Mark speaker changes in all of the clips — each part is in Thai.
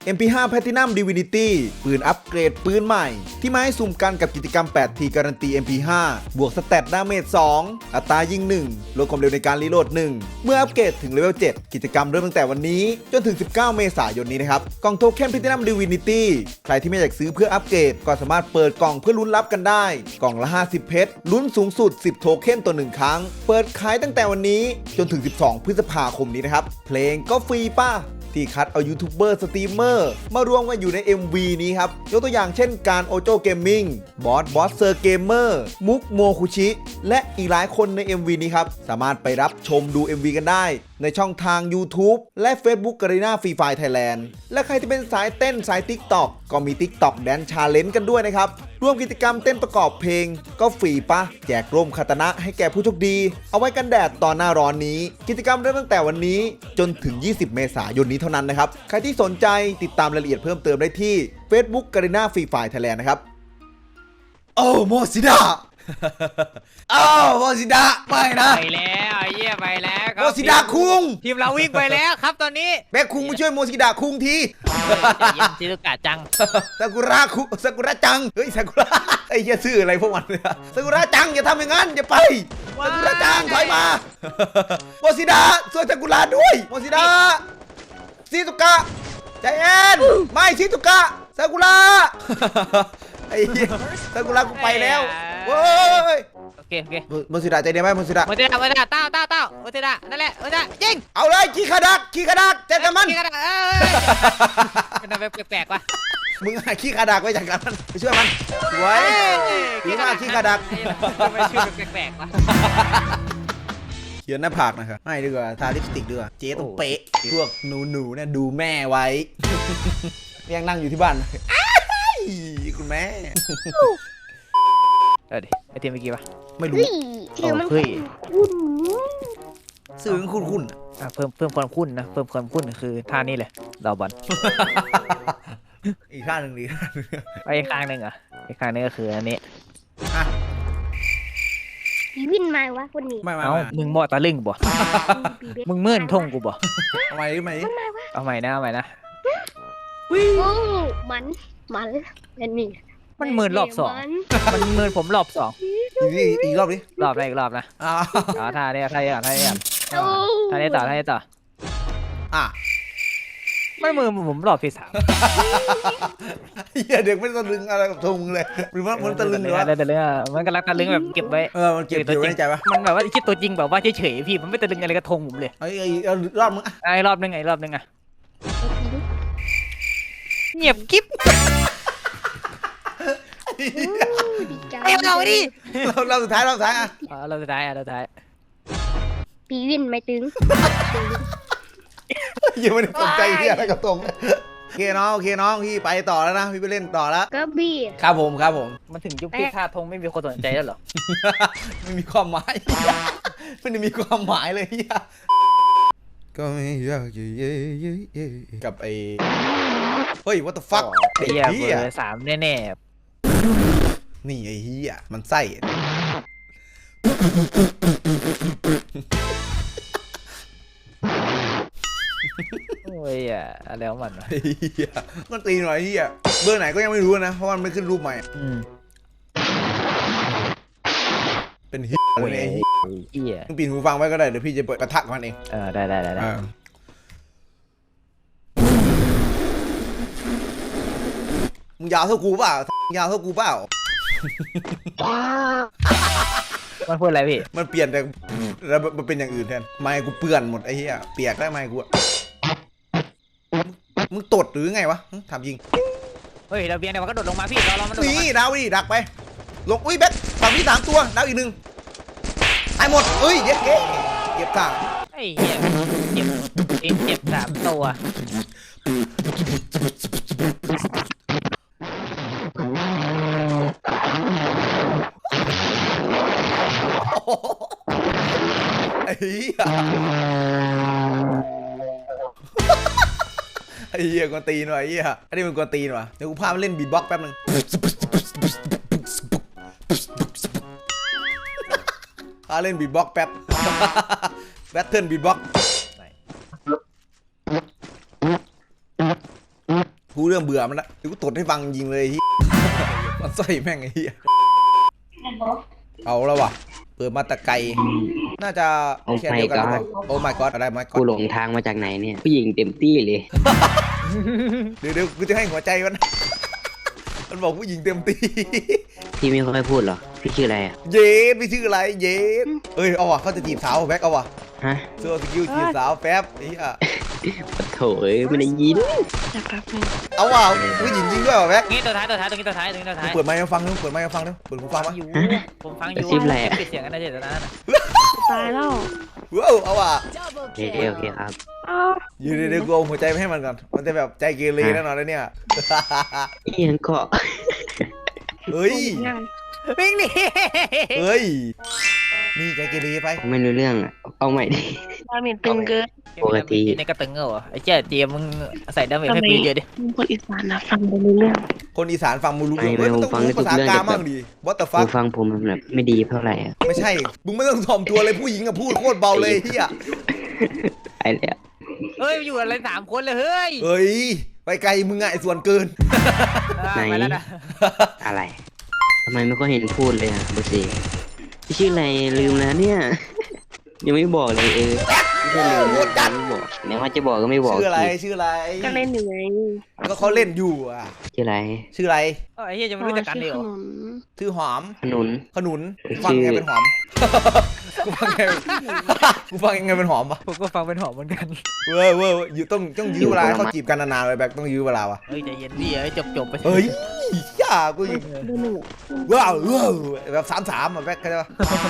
Speaker 1: MP5 Platinum Divinity ปืนอัปเกรดปืนใหม่ที่มาให้สุ่มกันกับกิจกรรม 8T การันตี MP5 บวกสเตตดาเมจ 2 อัตรายิง 1 ลดความเร็วในการรีโหลด 1 เมื่ออัปเกรดถึงเลเวล 7 กิจกรรมเริ่มตั้งแต่วันนี้จนถึง 19 เมษายนนี้นะครับกล่องโทเค็น Platinum Divinity ใครที่ไม่อยากซื้อเพื่ออัปเกรดก็สามารถเปิดกล่องเพื่อลุ้นรับกันได้กล่องละ 50 เพชรลุ้นสูงสุด 10 โทเค็นต่อ 1 ครั้งเปิดขายตั้งแต่วันนี้จนถึง 12 พฤษภาคมนี้นะครับเพลงก็ฟรีป่ะที่คัดเอายูทูบเบอร์สตรีมเมอร์มารวมกันอยู่ใน MV นี้ครับยกตัวอย่างเช่นการโอโจเกมมิ่งบอสเซอร์เกมเมอร์มุกโมคุชิและอีกหลายคนใน MV นี้ครับสามารถไปรับชมดู MV กันได้ในช่องทาง YouTube และ Facebook Garena Free Fire Thailand และใครที่เป็นสายเต้นสาย TikTok ก็มี TikTok Dance Challenge กันด้วยนะครับร่วมกิจกรรมเต้นประกอบเพลงก็ฟรีป่ะแจกร่มคาตานะให้แก่ผู้โชคดีเอาไว้กันแดดตอนหน้าร้อนนี้กิจกรรมเริ่มตั้งแต่วันนี้จนถึง 20 เมษายนนี้เท่านั้นนะครับใครที่สนใจติดตามรายละเอียดเพิ่มเติมได้ที่ Facebook Garena Free Fire Thailand นะครับโอ้โมซิดะอ้าวโมซิดะไปนะ
Speaker 2: ไปแล้วเยี่ยไปแล้วครั
Speaker 1: โมซิดะคุง
Speaker 2: ทีมเราวิ่งไปแล้วครับตอนนี้
Speaker 1: แบกคุงมาช่วยโมซิดะคุงที
Speaker 2: เยี่ยมชิลุกะจัง
Speaker 1: ซากุระคุซากุระจังเฮ้ยซากุระไอ้เหี้ยชื่ออะไรพวกมันเนี่ยซากุระจังอย่าทำอย่างนั้นอย่าไปซากุระจังถอยมาโมซิดะช่วยซากุระด้วยโมซิดะชิซุกะใจเย็นไม่ชิซุกะซากุระไอ้เหี้ยซากุระกูไปแล้วโว้ย
Speaker 2: โอเค
Speaker 1: โมซิดะใจเย็นไหมโมซิดะ
Speaker 2: โมเตดะเต้าโมเตดะนั่นแหละโมเตดะยิง
Speaker 1: เอาเลยขี้ขาดักเจ็ดกันมัน
Speaker 2: ยิงกันเป็นอะไรแปลกๆวะ
Speaker 1: มึงหาขี้ขาดักไว้จากกันมันไปช่วยมันสวยดีมากขี้ขาดัก
Speaker 2: ทำไมชื่อแปลกๆวะ
Speaker 1: เขียนหน้าผากนะครับไม่ดีกว่าทาลิปสติกดีกว่าเจ๊ต้องเป๊ะพวกหนูเนี่ยดูแม่ไว้ ยังนั่งอยู่ที่บ้านคุณแม่
Speaker 2: ดิไอทีมเมื่อกี้ปะ
Speaker 1: ไม่รู้
Speaker 3: ชื่อมัน
Speaker 2: เฮ้ย
Speaker 1: สื่อคุณ
Speaker 2: เพิ่มความคุ้นนะเพิ่มความคุ้นคือท่านี้เลยดาวบอล
Speaker 1: อีกข้างหนึ่งดี
Speaker 2: ไปอีกข้างหนึ่งอ่ะอีกข้างนึงก็คืออันนี้
Speaker 3: ปีวินมาวะคนนี้
Speaker 1: ไม่
Speaker 2: เอ้ามึงบ่ตะลึงบ่ มึงเมื่อนทงกูบ่
Speaker 1: เอาใหม่ไหม
Speaker 2: เอาใหม่นะ
Speaker 3: โอ้มันและนี่
Speaker 2: มันเมื่อนรอบสองมันเมื่อนผมรอบสอง
Speaker 1: อีกรอบดิ
Speaker 2: รอบแรกอีกรอบนะ
Speaker 1: อ่า
Speaker 2: เอาท่านี้ท่านี้ต่อ
Speaker 3: โอ้
Speaker 2: ท่านี้ต่อ
Speaker 1: อ่ะ
Speaker 2: ไม่มือผมรอบที่สาม
Speaker 1: เหี้ยเด็กไม่ตะลึงอะไรกับทงมึงเลยหรือว่ามันตะลึงหรือว่า
Speaker 2: ตะลึงอ่ะมันกำลังตะลึงแบบเก็บไว้
Speaker 1: มันเก็บอยู่ในใจปะ
Speaker 2: มันแบบว่าคิดตัวจริงแบบว่าเฉยๆพี่มันไม่ตะลึงอะไรกระทงผมเลย
Speaker 1: เอารอบมึงอ่ะ
Speaker 2: ไอ้รอบนึงอ่ะเงียบกิ๊บ
Speaker 3: ดีใจ
Speaker 2: ไอ้เราดิ
Speaker 1: เราสุดท้ายอ่ะ
Speaker 2: เราสุดท้าย
Speaker 3: ปีวินไม่ตึง
Speaker 1: ยังไม่ได้สนใจที่อะไรกับตรงโอเคน้องพี่ไปต่อแล้วนะพี่ไปเล่นต่อแล้ว
Speaker 3: ก็บี้
Speaker 1: ครับผม
Speaker 2: มันถึงยุคที่ท่าทงไม่มีคนสนใจแล้วเหรอ
Speaker 1: ไม่มีความหมายไม่ได้มีความหมายเลยเฮียก็ไม่อยากกับไอ้เฮ้ย what the fuck ไอ้
Speaker 2: เฮีย
Speaker 1: เฮี
Speaker 2: เบ
Speaker 1: ย
Speaker 2: อร์3แน่
Speaker 1: นี่ไอ้เฮียมันไส้
Speaker 2: ๆโอ้ยอะไรของมันวะ
Speaker 1: ไอ้เฮียมันตีหน่อยเฮียเบอร์ไหนก็ยังไม่รู้นะเพราะมันไม่ขึ้นรูปใหม่ เป็นเฮียอะไรเนี่ย
Speaker 2: เฮีย
Speaker 1: มึงปีนหูฟังไว้ก็ได้เดี๋ยวพี่จะเปิดปะทะกับมันเอง
Speaker 2: ได้
Speaker 1: มึงยาวเท่ากูเปล่ามึงยาวเท่ากูเปล่า
Speaker 2: มันพูดอะไรพี่
Speaker 1: มันเปลี่ยนแต่แล้วมันเป็นอย่างอื่นแทนไม้กูเปื่อนหมดไอ้เหี้ยเปียกได้ไม้กูอะมึงตดหรือไงวะถามยิง
Speaker 2: เฮ้ยเราเบียงเดี๋ยวมันก็โดดลงมาพี่เรามันโดดลง
Speaker 1: นี่
Speaker 2: มา
Speaker 1: ดาวดิดักไปลงอุ้ยแบ็คฝั่งที่3ตัวดาวอีก1ตายหมดเอ้ยเก็บข้าง
Speaker 2: ไอ้เฮียเจ็บ3 ตัว
Speaker 1: ไอ้เหี้ยไอ้เหี้ยกวนตีนว่ะไอ้เหี้ยอันนี้มันกวนตีนว่ะเดี๋ยวกูพามันเล่นบีทบ็อกซ์แป๊บนึงพาเล่นบีทบ็อกซ์แป๊บแบทเทิลบีทบ็อกซ์พูดเรื่องเบื่อมันละเดี๋ยวกูตดให้ฟังจริงเลย มันใส่แม่งไอ้เหี้ยเอาแล้ววะเปิดมาตะไกลน่าจะแค่เดียวกันหรือเปล่าโอ้ my god อะไร my
Speaker 4: กู
Speaker 1: god
Speaker 4: หลงทางมาจากไหนเนี่ยผู้หญิงเต็มที่เลย
Speaker 1: เดี๋ยวกูจะให้หัวใจมัน มันบอกผู้หญิงเต็มตี
Speaker 4: พี่ไม่ค่อยพูดหรอพี่ชื่ออะไรอ่ะ
Speaker 1: เย็ดพี่ชื่ออะไรเย็ดเอ้ยเอาวะเขาจะจีบสาวแบ็คเอาวะ
Speaker 4: ฮะ
Speaker 1: เสื้อสกิลจีบสาวแป๊บไอ้เหี้ย
Speaker 4: ปะโถเอ้ยไม่ได้ยิน
Speaker 1: เอาวะผู้หญิงจริงด้วยวะแบ็ค
Speaker 2: นี่ตัวท้ายตรงนี้ตัวท้าย
Speaker 1: เปิดไมค์มาฟังนึงเปิดไมค์มาฟังนึงเปิดหูฟัง
Speaker 2: ฟั
Speaker 1: มาง
Speaker 2: อยู่ผมฟังอยู่ปิดเสียงกันนะเจตนา
Speaker 3: ตายแล้ว
Speaker 1: ว้าวเอาวะ
Speaker 4: โอเคโอเคครับ
Speaker 3: อ้าว
Speaker 1: อยู่เดี๋ยวกูเอาหัวใจไปให้มันก่อนมันจะแบบใจเกเรแน่นอนเลยเนี่ย
Speaker 4: เอียงเกาะ
Speaker 1: เฮ้ย
Speaker 2: วิ่งหนี
Speaker 1: เฮ้ยนี่ใจเกเรไป
Speaker 4: ไม่รู้เรื่องอ่ะเอาใหม่ดิ
Speaker 3: ดาเมจตึงเกิน
Speaker 4: ปกติ
Speaker 2: ในกระตึงเหรอไอ้เจ๊เจียมึงใส่ดาเมจให้กูเยอะดิ
Speaker 3: มึงคนอีสานนะฟังไปเรื่อง
Speaker 1: คนอีสานฟังมูรู้เรื่องเฮ้ยมันต้องรู้ภาษากลางบ้างดิ what the
Speaker 4: หู
Speaker 1: fuck
Speaker 4: ฟังผมมันแบบไม่ดีเท่าไหร่อ่ะ
Speaker 1: ไม่ใช่มึงไม่ต้องถ่อมตัวเลยผู้หญิงอะพูดโคตรเบาเลยเฮีย
Speaker 4: ไอ้แล้ว
Speaker 2: เฮ้ยอยู่อะไร3 คนเลยเฮ้ย
Speaker 1: เฮ้ยไปไกลมึงอะไอ้ส่วนเกิน
Speaker 2: ไปแล้วนะ
Speaker 4: อะไรทำไมไม่ค่อยเห็นพูดเลยอ่ะเบอร์สี่พี่ชื่ออะไรลืมแล้วเนี่ย ยังไม่บอกเลยไม่ใช่ลืมยังไม่บอกเนี่ยว่าจะบอกก็ไม่บอก
Speaker 1: ชื่ออะไรชื่ออะไร
Speaker 3: ก็เล่นอยู่ไง
Speaker 4: Dạ.
Speaker 1: ก็เขาเล่นอยู่อะ
Speaker 4: ชื่ออะไร
Speaker 1: ชื่ออะไร
Speaker 2: ไอ้เหี้ยจะไม่รู้จักกันเลยเหรอ
Speaker 1: ชื่อหอม
Speaker 4: ขนุน
Speaker 1: ขนุนฟังยังไงเป็นหอม กูฟังยังไงกูฟังยังไงเป็นหอมปะ
Speaker 2: ผมก็ฟังเป็นหอมเหมือนกัน
Speaker 1: เว้ยอยู่ต้องยื้อเวลาให้เขาจีบกันนานๆเลยแบกต้องยื้อเวลาวะ
Speaker 2: เฮ้ยใจเย็นดิเฮ้ยจบไป
Speaker 1: เฮ้ยย่ากู
Speaker 3: ดูหนึ่ง
Speaker 1: ว้าวแบบ3-3อะแบกเข้าใจปะ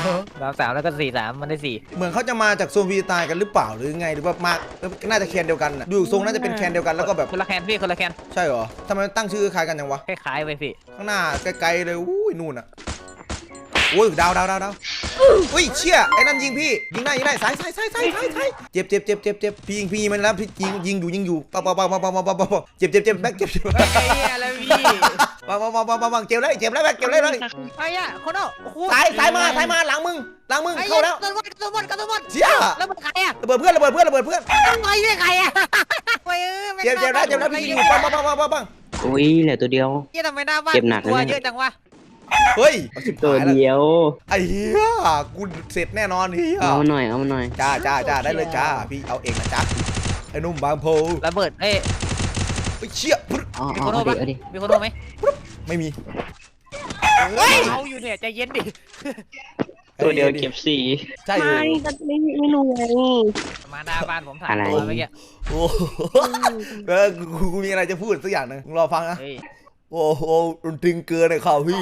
Speaker 2: 3แล้วก็4-3มันได้4
Speaker 1: เหมือนเขาจะมาจากโซนวีตายกันหรือเปล่าหรือไงหรือว่ามาน่าจะแคนเดียวกันน่ะดูทรงน่าจะเป็นแคนเดียวกันแล้วก็แบบ
Speaker 2: คนละแคนพี่คนละแคน
Speaker 1: ใช่เหรอทำไมตั้งชื่อคล้ายกันจังวะ
Speaker 2: คล้ายๆไปพี่
Speaker 1: ข้างหน้าไกลๆเลยอุ้ยนู่นอ่ะโอ้ยดาวอุ้ยเชี่ยไอ้นั่นยิงพี่ยิงได้สายเจ็บพี่ยิงมันแล้วพี่ยิงอยู่ปังเจ็บแบ็คเจ็บ
Speaker 2: ไอ้เหี้ยอะไรพี่
Speaker 1: ปังเจ็บเลยแบ็คเจ็บเลย
Speaker 2: ไอ้เหี้ยคนเอา
Speaker 1: สายมาหลังมึงเข้าแล้ว
Speaker 2: กระตุ้นหมด
Speaker 1: เชี่ย
Speaker 2: แล้วมันใครอะ
Speaker 1: ระเบิดเพื่อน
Speaker 2: ไอ้เหี้ยใครอะไป
Speaker 1: เจ็บแล้วพี่ยิงอยู่ปัง
Speaker 4: อุ้ยเหลือตัวเดียว
Speaker 2: เหี้ยทำไมหน้าบ้าน
Speaker 4: เจ็บหนักนะ
Speaker 2: ตัว
Speaker 4: เนี่ย
Speaker 2: เยอะจังวะ
Speaker 1: เฮ้ย
Speaker 4: ตัวเดียว
Speaker 1: ไอ้เหี้ยกูเสร็จแน่นอนเฮีย
Speaker 4: เอามาหน่อย
Speaker 1: จ้าได้เลยจ้าพี่เอาเองนะจ้าไอ้นุ่มบางโพ
Speaker 2: ระเบิดเอ้ย
Speaker 1: เชี่ย
Speaker 4: อ๋อ
Speaker 2: มีคนโทร
Speaker 4: เอา
Speaker 2: ปะ
Speaker 4: ดิ
Speaker 2: มีคนโทรไหม
Speaker 1: ไม่มี
Speaker 2: เอาอยู่เนี่ยใจเย็นดิ
Speaker 4: ตัวเดียวเก็บสี่
Speaker 1: ใช่เล
Speaker 3: ไม่
Speaker 1: ย
Speaker 3: ก็ไม่รู้ไง
Speaker 2: มาหน้าบ้านผมถ่าย
Speaker 4: อะไร
Speaker 2: ตัวเมื่อกี้
Speaker 1: โอ้กูมีอะไรจะพูดสักอย่างหนึ่งรอฟังนะ
Speaker 2: เฮ้ย
Speaker 1: โอ้โหรุนแรงเกินเลยข่าวพี่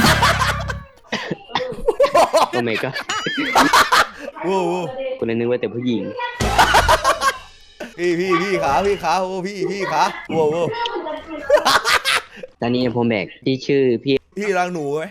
Speaker 4: โอ้ไม่ก็
Speaker 1: โอ้โห
Speaker 4: กูเลยนึกว่าแต่ผู้หญิง
Speaker 1: พี่ขาโอ้พี่ขาโอ้โห
Speaker 4: ตอนนี้ผมแบกที่ชื่อพี่
Speaker 1: พี่รังหนูไหม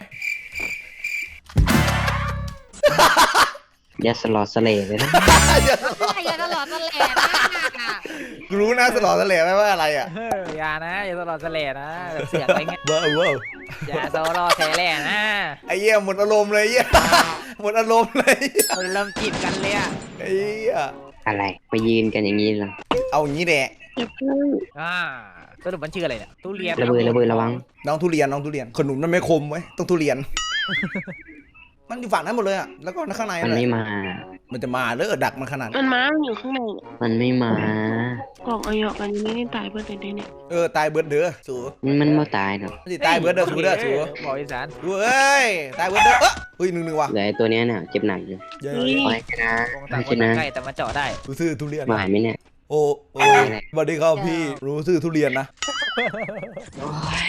Speaker 4: ยัสลอสเลเลยนะ
Speaker 2: อย่าตลอดตะแหล่นะ
Speaker 1: กูรู้นะสลอดสะเหล่ไหมว่าอะไรอ่ะ
Speaker 2: อย่านะอย่าตลอดตะแหล่นะแบบเสียงอะไรเงี้ย
Speaker 1: ว้าว
Speaker 2: อย่าตลอดตะแหล่นะ
Speaker 1: ไอ้เหี้ยหมดอารมณ์เลยเหี้ยหมดอารมณ์เลย
Speaker 2: เราเริ่มจีบกันเลยอะ
Speaker 1: ไอ้เหี้ย
Speaker 4: อะไรมายืนกันอย่างนี้เหรอ
Speaker 1: เอาอย่างนี้แหละ
Speaker 3: อย่าพึ่ง
Speaker 2: สรุปมันชื่ออะไรเนี่ยทุเรียน
Speaker 4: ระเบิดระวัง
Speaker 1: น้องทุเรียนขนุนมันไม่คมไว้ยต้องทุเรียน มันอยู่ฝั่งนั้นหมดเลยอ่ะแล้วก็ข้างใน
Speaker 4: มัน
Speaker 1: แหละ
Speaker 4: ไม่มา
Speaker 1: มันจะมาเลิกดักมันขนาด
Speaker 3: มันม้ามันอยู่ข้างใน
Speaker 4: มันไม่มา
Speaker 3: กล่องออยอกันยังไม่ได้ตายเพื่อนเลยเนี่ย
Speaker 1: ตายเบิร์ดเด้อสู
Speaker 4: มันไม่ตายหรอก
Speaker 1: มันสิตายเบิร์ดเด้อสูเด้อสู
Speaker 2: บอกอีสาน
Speaker 1: สูเอ้ยตายเบิร์ดเด้อเฮ้ยหนึ่งว่ะ
Speaker 4: เหลือไอ้ตัวเนี้ยเนี่ยเจ็บหนักอยู่
Speaker 1: เย้
Speaker 4: โอ้ยชนะ
Speaker 2: วงต่างคนต่างใกล้แต่มาเจาะได้
Speaker 1: รู้ซื่อทุเรียน
Speaker 4: หวานไหมเนี่ย
Speaker 1: โอ้สวัสดีครับพี่รู้ซื่อทุเรียนนะ
Speaker 4: โอ้ย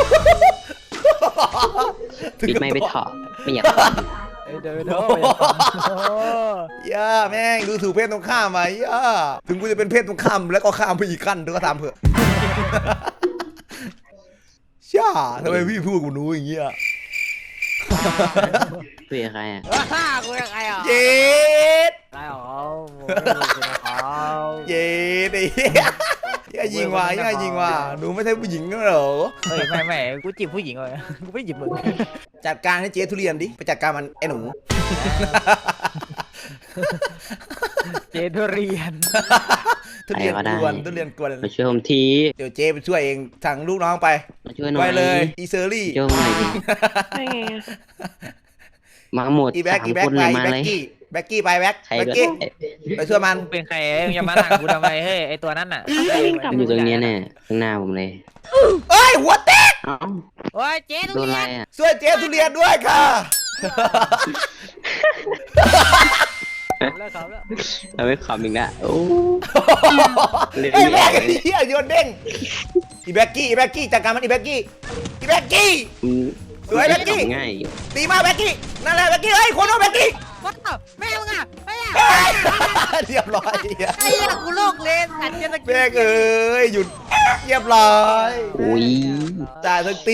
Speaker 4: ปิดไม่ไปเถาะไม่อยากฟัง
Speaker 2: เดี๋ยว
Speaker 1: ย่าแม่งดูถูกเพศตรงข้ามไปย่าถึงกูจะเป็นเพศตรงข้ามแล้วก็ข้ามไปอีกขั้นเธอก็ตามเถอะช่าทำไมพี่พูดกับหนูอย่างเงี้ย
Speaker 4: คุยกับใครอ่ะ
Speaker 2: กูยังไงอ่ะ
Speaker 1: เย็ด
Speaker 2: ได้หรอ
Speaker 1: เย็ดไอ้เหี้ยอย่ายิงว่ะหนูไม่ใช่ผู้หญิงเหรอ
Speaker 2: เฮ้ยไม่กูจีบผู้หญิงเลยกูไม่จีบมึง
Speaker 1: จัดการให้เจ๊ทุเรียนดิไปจัดการมันไอ้หนู
Speaker 2: เจทุเรียน
Speaker 1: ทุเรียน
Speaker 4: ใครก็ได้
Speaker 1: กวนทุเรียนกวน
Speaker 4: มาช่วยผมที
Speaker 1: เดี๋ยวเจ๊ไปช่วยเองสั่งลูกน้องไป
Speaker 4: มาช่วยหน่อ
Speaker 1: ไป
Speaker 4: ย
Speaker 1: เลยอีเซอรี่
Speaker 4: ช่วยผมหน่อยดิ
Speaker 3: ได้ไงอะ
Speaker 4: มาหมด
Speaker 1: อีแบ็ก
Speaker 4: สาม
Speaker 1: อีแบ็
Speaker 4: ค
Speaker 1: ก
Speaker 4: น
Speaker 1: ไป
Speaker 4: เลย
Speaker 1: อี
Speaker 4: มา
Speaker 1: แบ็
Speaker 4: เล
Speaker 1: ก
Speaker 4: ย
Speaker 1: กี้แบ็กกี้ไปแบ็ก
Speaker 4: ใคร
Speaker 1: แบ็ก
Speaker 4: ก็
Speaker 1: กี้
Speaker 4: ได้
Speaker 1: ไปช่วยมัน
Speaker 2: มึงเป็นใครอย่ามาสั่งกูทำไมเฮ้ยไอตัวนั้นน่ะ
Speaker 4: มันอยู่ตรงเนี้ยเนี่ยข้างหน้าผมเลย
Speaker 1: เอ้ยหัวแตก
Speaker 4: เอ้า
Speaker 2: โอ้ยเจ๊ทุ
Speaker 4: โดน
Speaker 2: เรี
Speaker 4: อะไร
Speaker 2: ยน
Speaker 4: อ่ะ
Speaker 1: ช่วยเจ๊ทุเรียนด้วยค่ะ
Speaker 2: แล้วเขาแล้ว
Speaker 4: เราไม่ขำอีกแล้วโอ้เล่น
Speaker 1: ไอ้
Speaker 4: ไม่
Speaker 1: แบ็
Speaker 4: อก อก
Speaker 1: ไอ้เหี้ยโยนเด้งอีแบ็กกี้อีแบ็กกี้จัดการมันอีแบ็กกี้อีแบ็กกี้
Speaker 4: อืม
Speaker 1: สวยแบ็คกี้
Speaker 4: ขำง่ายอยู่
Speaker 1: ตีมาแบ็กกี้นั่นแหละแบ็กกี้เฮ้ยคนโน้แบ็กกี้
Speaker 2: ว้าวแม่มึงอ่ะแม่
Speaker 1: เฮ้ยเรียบร้อย
Speaker 2: ไอ้เหี้ยกูโลกเลยสัตว์เจตะ
Speaker 1: แม่งเอ้ยหยุดเรียบร้อย
Speaker 4: อุ้ย
Speaker 1: จ่ายทั้งตี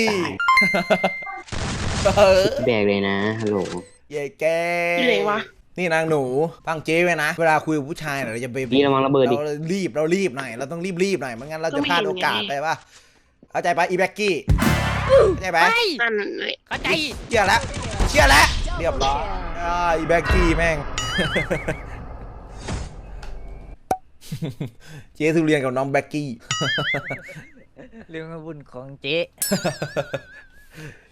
Speaker 1: เออ
Speaker 4: แบกเลยนะฮัลโหล
Speaker 1: เย่แก
Speaker 3: อยู่ไหนวะ
Speaker 1: นี่นางหนูฟังเจ๊ไว้นะ เวลาคุยกับผู้ชายเราจะไป
Speaker 4: นี่ระวังระเบิดดิ
Speaker 1: เรารีบหน่อย เราต้องรีบหน่อยไม่งั้นเราจะพลาดโอกาสไปป่ะเข้าใจปะอีแบ็กกี้เข้าใจปะ
Speaker 2: ไป
Speaker 3: นั่นเลย
Speaker 2: เข้าใจ
Speaker 1: เชื่อแล้วเรียบร้อยอีแบ็กกี้แม่ง เจ๊ทุเรียนกับน้องแบ็กกี้
Speaker 2: เรื่องบุญของเจ๊